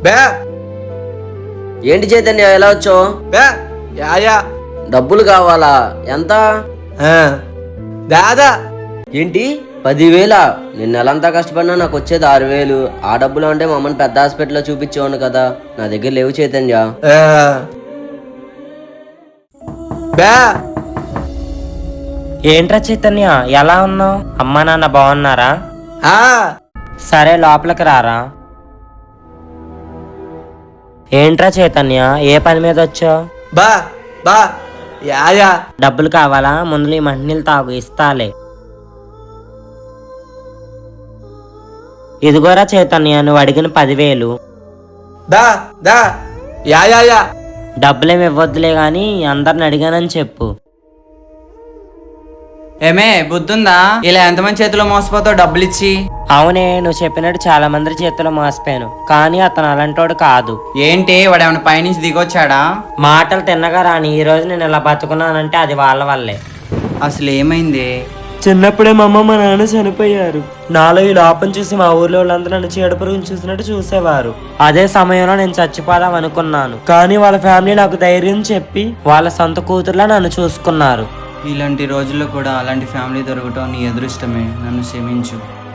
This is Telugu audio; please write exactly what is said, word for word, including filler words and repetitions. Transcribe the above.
బే ఏంటి చైతన్య ఎలా వచ్చావు? బే యాయా డబ్బులు కావాలా? ఎంత? దాదా ఏంటి పదివేలా? నేను నెలంతా కష్టపడినా నాకు వచ్చేది ఆరు వేలు. ఆ డబ్బులు అంటే మా అమ్మని పెద్ద హాస్పిటల్లో చూపించేవాను కదా, నా దగ్గర లేవు చైతన్య. బే ఏంట్రా చైతన్య ఎలా ఉన్నావు? అమ్మా నాన్న బాగున్నారా? ఆ సరే లోపలికి రారా. ఏంట్రా చైతన్య ఏ పని మీద వచ్చావు? బా బా యాయా డబ్బులు కావాలా? ముందు ఈ మంటినీళ్ళు తాగు, ఇస్తాలే. ఇదిగోరా చైతన్య నువ్వు అడిగిన పదివేలు. దా దా యాయా డబ్బులేమి ఇవ్వద్దులే గాని అందరిని అడిగానని చెప్పు. ఏమే బుద్ధుందా? ఇలా ఎంతమంది చేతిలో మోసపోతావు డబ్బులు ఇచ్చి? అవునే, నువ్వు చెప్పినట్టు చాలా మంది చేతిలో మోసపోయాను, కానీ అతను అలాంటోడు కాదు. ఏంటి వాడు ఏమైనా పైనుంచి దిగొచ్చాడా? మాటలు తిన్నగా రాని ఈ రోజు నేను ఇలా బతుకున్నానంటే అది వాళ్ళ వల్లే. అసలు ఏమైంది? చిన్నప్పుడే మా అమ్మ మా నాన్న చనిపోయారు. నాలో ఈ లోపం చూసి మా ఊర్లో వాళ్ళందరూ నన్ను చీడపురుగుని చూసినట్టు చూసేవారు. అదే సమయంలో నేను చచ్చిపోదాం అనుకున్నాను, కానీ వాళ్ళ ఫ్యామిలీ నాకు ధైర్యం చెప్పి వాళ్ళ సొంత కూతుర్లా నన్ను చూసుకున్నారు. ఇలాంటి రోజుల్లో కూడా అలాంటి ఫ్యామిలీ దొరకటం నీ అదృష్టమే. నన్ను క్షమించు.